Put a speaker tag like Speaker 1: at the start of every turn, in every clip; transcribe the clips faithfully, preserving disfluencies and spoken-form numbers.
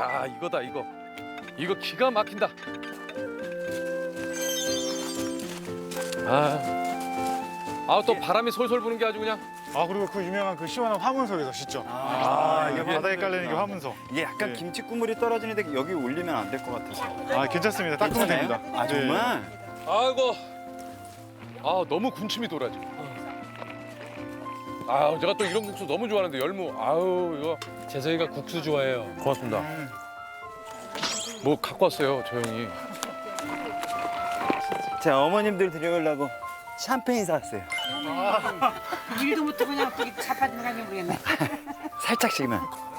Speaker 1: 야 이거다 이거. 이거 기가 막힌다. 아, 아 또 바람이 솔솔 부는 게 아주 그냥.
Speaker 2: 아 그리고 그 유명한 그 시원한 화문석에서 씻죠.
Speaker 3: 아,
Speaker 2: 이게
Speaker 3: 이게
Speaker 2: 바닥에 깔리는 게 화문석.
Speaker 3: 이게 약간
Speaker 2: 네.
Speaker 3: 김치 국물이 떨어지는데 여기 올리면 안 될 것 같아서.
Speaker 2: 아 괜찮습니다. 닦으면 됩니다.
Speaker 3: 아 정말?
Speaker 1: 아이고. 아 너무 군침이 돌아지. 아 제가 또 이런 국수 너무 좋아하는데 열무. 아우 이거.
Speaker 4: 재석이가 국수 좋아해요.
Speaker 1: 고맙습니다. 뭐 갖고 왔어요 저 형이.
Speaker 3: 자 어머님들 드려보려고 샴페인 사왔어요.
Speaker 5: 일도 못하고 그냥 거기 자빠지는 거 아니야 모르겠네.
Speaker 3: 살짝씩만.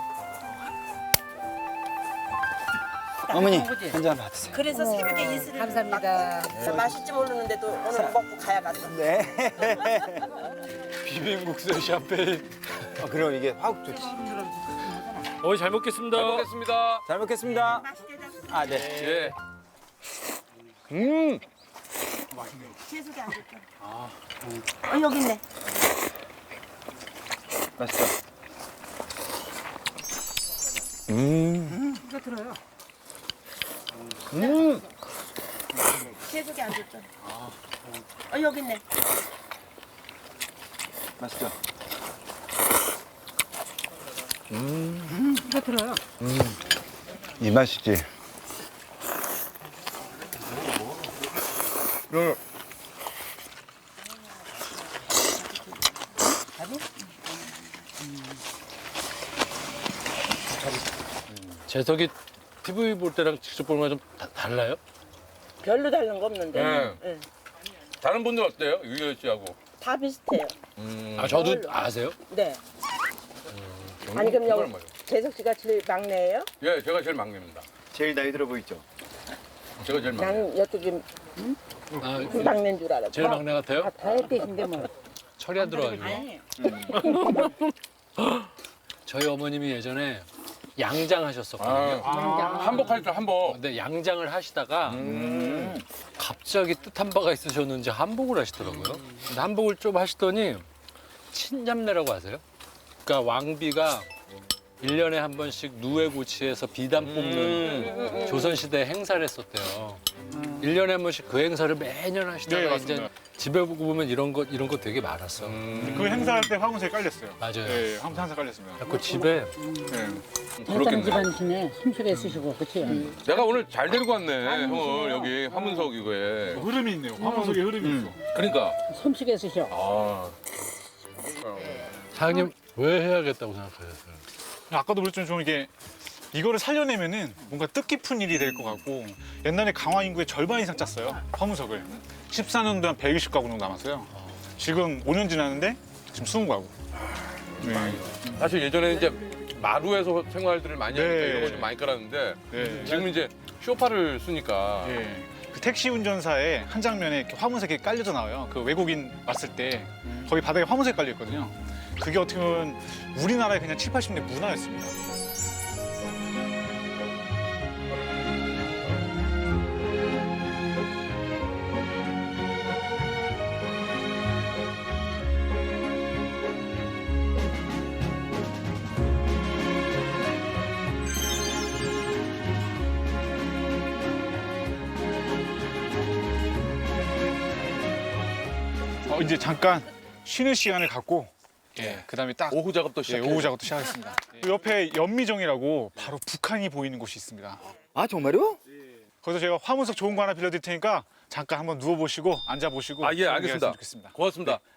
Speaker 3: 어머니
Speaker 5: 그지?
Speaker 3: 한 잔 받으세요.
Speaker 6: 그래서 새벽에 이슬을
Speaker 5: 감사합니다.
Speaker 6: 막 맛있지 모르는데도 오늘 먹고 가야 갔어.
Speaker 3: 네.
Speaker 4: 비빔국수 샴페인.
Speaker 3: 어, 그럼 이게 화국 좋지.
Speaker 4: 어이 잘 먹겠습니다.
Speaker 1: 잘 먹겠습니다.
Speaker 3: 잘 먹겠습니다.
Speaker 6: 맛있게 잡수.
Speaker 3: 아 네.
Speaker 1: 예. 음.
Speaker 6: 채소가 안 좋죠. 어 여기 있네.
Speaker 3: 맛있어.
Speaker 1: 음.
Speaker 5: 이거 들어요.
Speaker 1: 음.
Speaker 6: 채소가 안 좋죠. 어 여기 있네.
Speaker 3: 맛있어.
Speaker 5: 이거 들어요.
Speaker 3: 이 맛이지.
Speaker 4: 재석이 티비 볼 때랑 직접 보는 거랑 좀 다- 달라요?
Speaker 6: 별로 다른 거 없는데.
Speaker 1: 네.
Speaker 6: 응.
Speaker 1: 다른 분들 어때요 유열 씨하고?
Speaker 6: 다 비슷해요.
Speaker 1: 음.
Speaker 4: 아 저도 아세요?
Speaker 6: 네. 아니 그럼
Speaker 1: 정말
Speaker 6: 여기
Speaker 1: 맞아요.
Speaker 6: 재석 씨가 제일 막내예요?
Speaker 1: 예, 제가 제일 막내입니다.
Speaker 3: 제일 나이 들어 보이죠?
Speaker 1: 제가 제일 막내.
Speaker 6: 나는 여쪽이
Speaker 4: 아,
Speaker 6: 막내인 줄 알았어.
Speaker 4: 제일 막내 같아요?
Speaker 5: 다 했대신데 뭐.
Speaker 4: 철이 안 들어가지고. 저희 어머님이 예전에 양장 하셨었거든요.
Speaker 1: 아, 한복할 줄 한복.
Speaker 4: 근데 양장을 하시다가
Speaker 1: 음.
Speaker 4: 갑자기 뜻한 바가 있으셨는지 한복을 하시더라고요. 근데 한복을 좀 하시더니 친잡내라고 아세요? 그러니까 왕비가 일 년에 한 번씩 누에고치에서 비단 뽑는 조선시대 행사를 했었대요. 일 년에 한 번씩 그 행사를 매년 하시다가
Speaker 2: 네,
Speaker 4: 이제
Speaker 2: 맞습니다.
Speaker 4: 집에 보고 보면 이런 거 이런 거 되게 많았어.
Speaker 2: 그 행사할 때 화문석에 깔렸어요.
Speaker 4: 맞아요.
Speaker 2: 네, 화문석 항상 깔렸습니다.
Speaker 4: 그 집에
Speaker 2: 네.
Speaker 5: 한장
Speaker 1: 그렇겠네.
Speaker 5: 집안이시네. 숨쉬게 쓰시고 그치?
Speaker 1: 내가 오늘 잘 데리고 왔네 형을 여기 화문석 이거에.
Speaker 2: 흐름이 있네요. 화문석에 흐름이 있어.
Speaker 1: 그러니까.
Speaker 5: 숨쉬게 쓰셔.
Speaker 1: 아.
Speaker 4: 사장님 왜 해야겠다고 생각하셨어요?
Speaker 2: 아까도 그랬지만 좀 이게 이거를 살려내면은 뭔가 뜻깊은 일이 될 것 같고 옛날에 강화 인구의 절반 이상 짰어요. 화문석을. 십사 년 동안 백이십 가구 정도 남았어요. 지금 오 년 지났는데 지금 이십 가구. 네.
Speaker 1: 사실 예전에 이제 마루에서 생활들을 많이 하니까
Speaker 2: 네.
Speaker 1: 이런 거 좀 많이 깔았는데
Speaker 2: 네.
Speaker 1: 지금 이제 쇼파를 쓰니까.
Speaker 2: 예. 그 택시 운전사의 한 장면에 이렇게 화문석이 깔려져 나와요. 그 외국인 왔을 때 거기 바닥에 화문석이 깔려 있거든요. 그게 어떻게 보면 우리나라의 그냥 칠, 팔십 년대 문화였습니다. 어, 이제 잠깐 쉬는 시간을 갖고 예, 그다음에 딱
Speaker 1: 오후 작업도
Speaker 2: 예,
Speaker 1: 시작해.
Speaker 2: 오후 작업도 시작하겠습니다. 그 옆에 연미정이라고 바로 북한이 보이는 곳이 있습니다.
Speaker 3: 아 정말요?
Speaker 2: 거기서 제가 화문석 좋은 거 하나 빌려드릴 테니까 잠깐 한번 누워보시고 앉아보시고
Speaker 1: 아, 예,
Speaker 2: 그런 얘기
Speaker 1: 알겠습니다.
Speaker 2: 했으면 좋겠습니다.
Speaker 1: 고맙습니다.